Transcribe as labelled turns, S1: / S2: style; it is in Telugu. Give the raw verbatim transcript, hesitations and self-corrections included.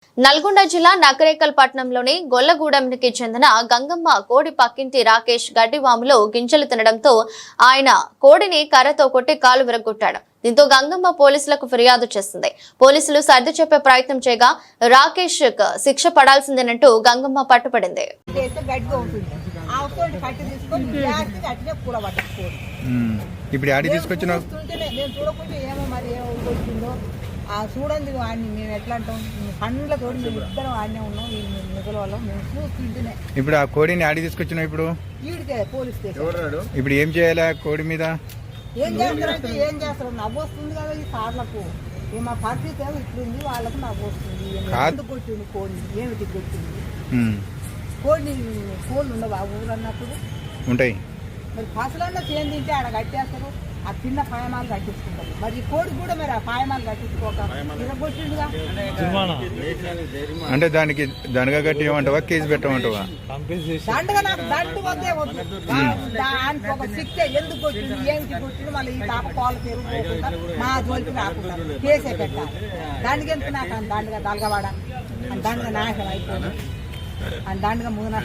S1: నల్గొండ జిల్లా నకరేకల్ పట్టణంలోని గొల్లగూడెంకి చెందిన గంగమ్మ కోడి పక్కింటి రాకేష్ గడ్డివాములో గింజలు తినడంతో ఆయన కోడిని కర్రతో కొట్టి కాలు విరగొట్టాడు. దీంతో గంగమ్మ పోలీసులకు ఫిర్యాదు చేసింది. పోలీసులు సర్ది చెప్పే ప్రయత్నం చేయగా రాకేష్ శిక్ష పడాల్సిందేనంటూ గంగమ్మ పట్టుపడింది.
S2: ఇప్పుడు ఆడి తీసుకొచ్చిన
S3: చూడండి వాడిని మేము ఎట్లా అంటాం పండ్ల తోడు మేము ఇద్దరం ఆడనే ఉన్నాం మిగల వాళ్ళం మేము చూస్తుంటేనే.
S2: ఇప్పుడు ఆ కోడిని ఆడి తీసుకొచ్చినావు, ఇప్పుడు
S3: ఈడికే పోలీస్ స్టేషన్.
S2: ఇప్పుడు ఏం చేయాలి ఆ కోడి మీద?
S3: ఏం చేస్తారంటే ఏం చేస్తారు, నవ్వు వస్తుంది కదా ఈ సార్లకు. మా పరిస్థితి ఏమో ఇట్లుంది, వాళ్ళకు నవ్వు వస్తుంది. ఎందుకు కొట్టింది కోడిని, ఏమిటి కొట్టింది కోడిని? కోళ్ళు ఉండవు ఆ ఊరు అన్నప్పుడు
S2: ఉంటాయి.
S3: మరి పసలన్నా చేయం తింటే ఆడ కట్టేస్తారు, ఆ చిన్న పాయమాలు కట్టించుకుంటారు. మరి ఈ కోడి కూడా మరి ఆ పాయమాలు కట్టించుకోక ఇరగొట్టిండుగా.
S2: అంటే దానికి దండగా కట్టిమంటావా, కేసు పెట్టమంటావా?
S3: దండగా నాకు దండు వద్దే వద్దు, దానికి ఒక శిక్ష. ఎందుకు కొట్టిండు, ఏమిటి కొట్టిండు, మళ్ళీ ఈ తాప పాలు పెరుగుకోకుండా మా జోలికి రాకుండా కేసే పెట్టాలి. దానికి ఎందుకు నాకు దండగా దలగవాడ దండగా నాశనం అయిపోయింది, అని దండగా మూడు